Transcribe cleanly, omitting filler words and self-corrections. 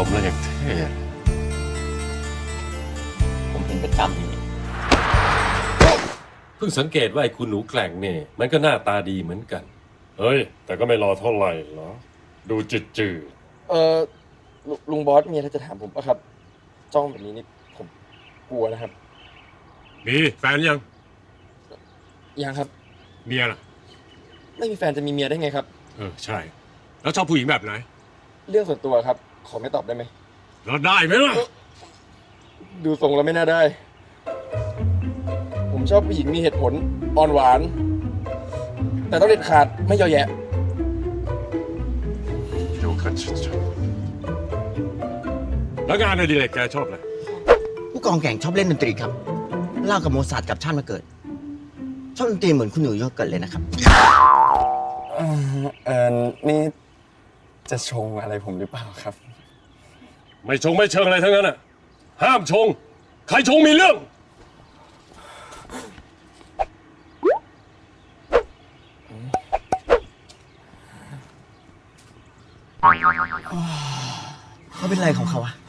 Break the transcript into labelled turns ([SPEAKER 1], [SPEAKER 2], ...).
[SPEAKER 1] มแล้วอย่างเท่
[SPEAKER 2] ผมเป็นประจำอย่างนี้
[SPEAKER 1] เพิ่งสังเกตว่าไอ้คุณหนูแกล่งเนี่ยมันก็หน้าตาดีเหมือนกัน เฮ้ย แต่ก็ไม่รอเท่าไหร่หรอ ดูจืด
[SPEAKER 3] ลุงบอสมีอะไรจะถามผมปะครับ จ้องแบบนี้นี่ผมกลัวนะครับ
[SPEAKER 1] ๆมีแฟนยัง
[SPEAKER 3] ยังครับ
[SPEAKER 1] เมียล่ะ
[SPEAKER 3] ไม่มีแฟนจะมีเมียได้ไงครับ
[SPEAKER 1] ใช่ แล้วชอบผู้หญิงแบบไหน
[SPEAKER 3] เรื่องส่วนตัวครับ ขอไม่ตอบได้ไหม
[SPEAKER 1] แล้วได้ไหมล่ะ
[SPEAKER 3] ดูทรงแล้วไม่น่าได้ ผมชอบผู้หญิงมีเหตุผลอ่อนหวาน แต่ต้องเด็ดขาดไม่เยาะแยะ
[SPEAKER 1] ดูขัดชัดแล้วงานอดิเรกแกชอบอะไร
[SPEAKER 4] ผู้กองแก่งชอบเล่นดนตรีครับ เล่ากับโมซาร์ทกับชาติมาเกิด ชอบดนตรีเหมือนคุณหนูโยเกิร์ตเลยนะครับ
[SPEAKER 3] นี่จะชงอะไรผมหรือเปล่าครับ
[SPEAKER 1] ไม่ชงไม่เชิงอะไรทั้งนั้นอ่ะ ห้ามชง ใครชงมีเรื่อง
[SPEAKER 4] เขาเป็นอะไรของเขาอะ